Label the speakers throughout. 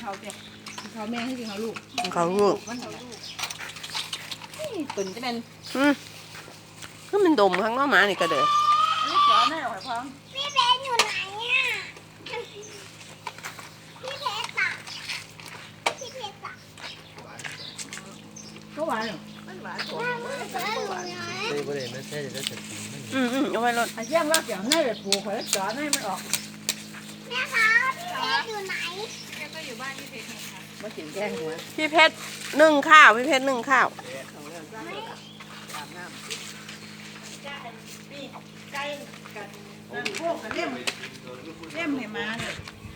Speaker 1: เขาเจ้เขาแม่ให้กินเขาลูก
Speaker 2: เขาลูก
Speaker 1: ตุ่นจะเป็น
Speaker 2: ก็มันดมข้างนอกมานี่ก็เด้อ
Speaker 1: นี่จ๋อแน่หอยพร้อม
Speaker 3: พี่เพชรอยู่ไหนอ่ะพี่เพชรอ่ะพี่เพชรอ่ะ
Speaker 1: ก็หวานเหรอมันหวานผม
Speaker 3: ไม่ได้
Speaker 4: ไม่ใช่จะกิน
Speaker 2: เอาไว้รถ
Speaker 1: ไอ้เยี่ยมว่าเกี่ยวให้เลยผูกหอยจ๋อให้มันออก
Speaker 3: แม่คะพี่เพชรอยู่ไหน
Speaker 5: แม่ก็อยู่บ้านพี่เพชรไงคะ
Speaker 1: มากินแกงหัว
Speaker 2: พี่เพชรนึ่งข้าวพี่เพชรนึ่งข้าว
Speaker 1: ไก่กันพวกกันเล่มให้มาเลย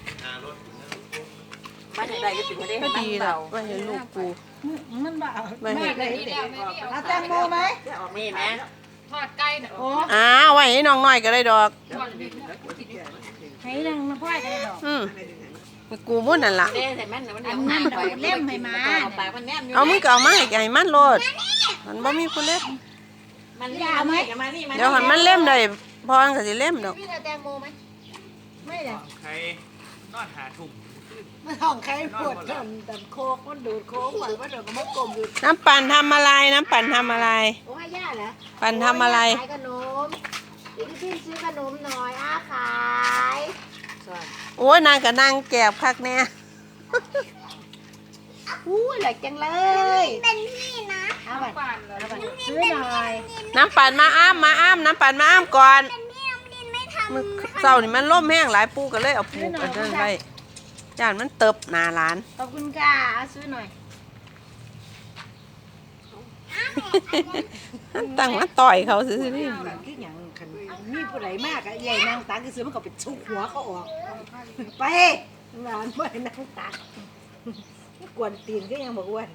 Speaker 1: มาจากใดก็ถึงมาได้
Speaker 2: ก็ดีแล้วไม่เห็นลูกกู
Speaker 1: มันบ้า
Speaker 2: ไม่เห็น
Speaker 1: เอาแตงโมไหมมีไหม
Speaker 5: ทอดไก่โอ้
Speaker 2: ไว้ให้น้องน้อยก็ได้ดอก
Speaker 1: ให้นางมาพ่ายได้ดอก
Speaker 2: กูมุ่นนั่นล่ะ
Speaker 1: อันนั้นดอกเล่มให้มา
Speaker 2: เอามึงก็เอามาให้มันโลดมันบ่มีคนเล่ม
Speaker 1: มันยาวไหม
Speaker 2: เดี๋ยวหันมันเล่มได้พอก็สิเล่มดอก
Speaker 1: พี่แตงโมไหมไม่เลย
Speaker 4: ใครนอนหาถุง
Speaker 1: มันห้องใครปวดทำแต่โคกมันดูดโค้งหวังว่าเดี๋ยวก็มากลมอยู่
Speaker 2: น้ำปั่นทำอะไรน้ำปั่นทำอะไร
Speaker 1: โอ้ยย่าเหรอ
Speaker 2: ปั่นทำอะไร
Speaker 3: ขายขนมพี่ซื้อขนมหน่อยขาย
Speaker 2: โอ้ยนางกับนางแก็บคักแน่
Speaker 1: หลักจังเลย
Speaker 3: เป็นพี่นะ
Speaker 1: เอาไปซื้อหน่อย
Speaker 2: น้ำปั่นมาอ้ามน้ำปั่นมาอ้ามก่อน
Speaker 3: เป็นพี่น้ำดินไม่ทำ
Speaker 2: มือเศร้านี่มันล่มแห้งหลายปูกันเลยเอาปูกันนั่นไว้จานมันเติบหนาร้าน
Speaker 1: ขอบคุณค่ะซื้อหน่อย
Speaker 2: ตั้งมาต่อยเขาสิ
Speaker 1: นี่คืออย่างคันมีผู้ใดมากอะใหญ่นางตักก็ซื้อมันก็เป็นชุกหัวเขาออกไปงานไม่นางตักกวนตีนก็ยังบอกว่า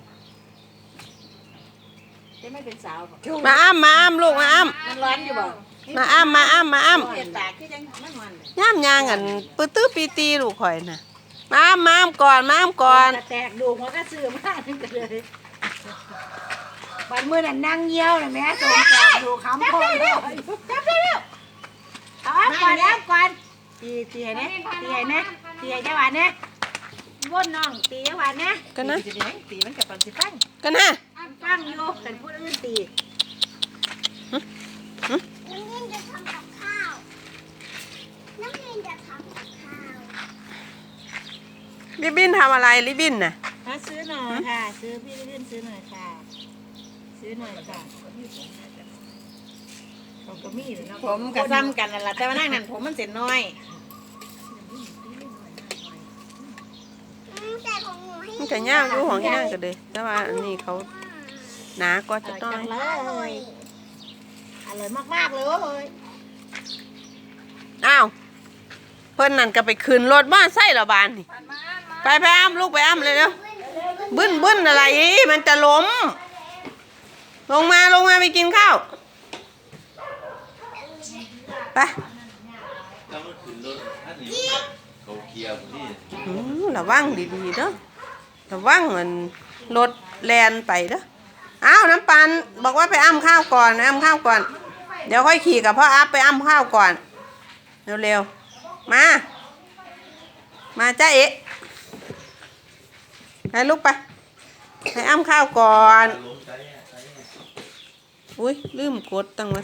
Speaker 1: จะไม่เป็นสาว
Speaker 2: มาอ้ามลูกมาอ้าม
Speaker 1: มันร้อนอยู่บ่
Speaker 2: มาอ้าม
Speaker 1: ตากคือยังมันมัน
Speaker 2: ย่ามยางกันปื้อตื้อปีตีลูกข่อยน่ะมาอ้ามก่อน
Speaker 1: แตกดูหัวก็ซื้อมากนึงเลยบันมือนั่นนั่งเยี่ยวเลยแม่ส่งแตกดูคำพ่อเลยจับได้แล้วเอาก่อนตีให้นะตีให้เจ้าหวานนะว่นน้องตีเจ้าหวานนะ
Speaker 2: กันนะ
Speaker 1: ตีมันกับปันสิฟัง
Speaker 2: กันนะ
Speaker 1: ฟังอยู่แต่พูดอื่นตี
Speaker 3: น้ำดินจะทำกับข้าวน้ำดินจะทำกับข้าว
Speaker 2: ลิบินทำอะไรลิบินน่ะ
Speaker 1: ซื้อหน่อยค่ะซื้อพี่ลิบินซื้อหน่อยค่ะซื้อหน่อยค่ะผมก็มีเลยนะผมกระซ้ำกันนั่นแหละแต่ว่านั่งนั่นผมมันเสร็จน้อย
Speaker 3: แต่ของหนูให้
Speaker 2: มันจะย่างรู้ของย่างกันเลยแต่ว่าอันนี้เขาหนาก็จะต้อง
Speaker 1: อร่อยมากๆเลย
Speaker 2: อ้าวเพิ่นนั่นก็ไปคืนรถบ้านไส้ละบานนี่ไปอ้ามลูกไปอ้ามเลยเร็วบึ้นอะไรมันจะล้มลงมาไปกินข้าวไประวังดีๆเด้อระวังมันรถแลนไปเด้ออ้าวน้ำปันบอกว่าไปอ้ำข้าวก่อนเดี๋ยวค่อยขี่กับพ่ออัพไปอ้ำข้าวก่อนเร็วๆมาจ้าเอ๊ะให้ลูกไปอ้ำข้าวก่อนอุ้ยลืมกดตั้งมา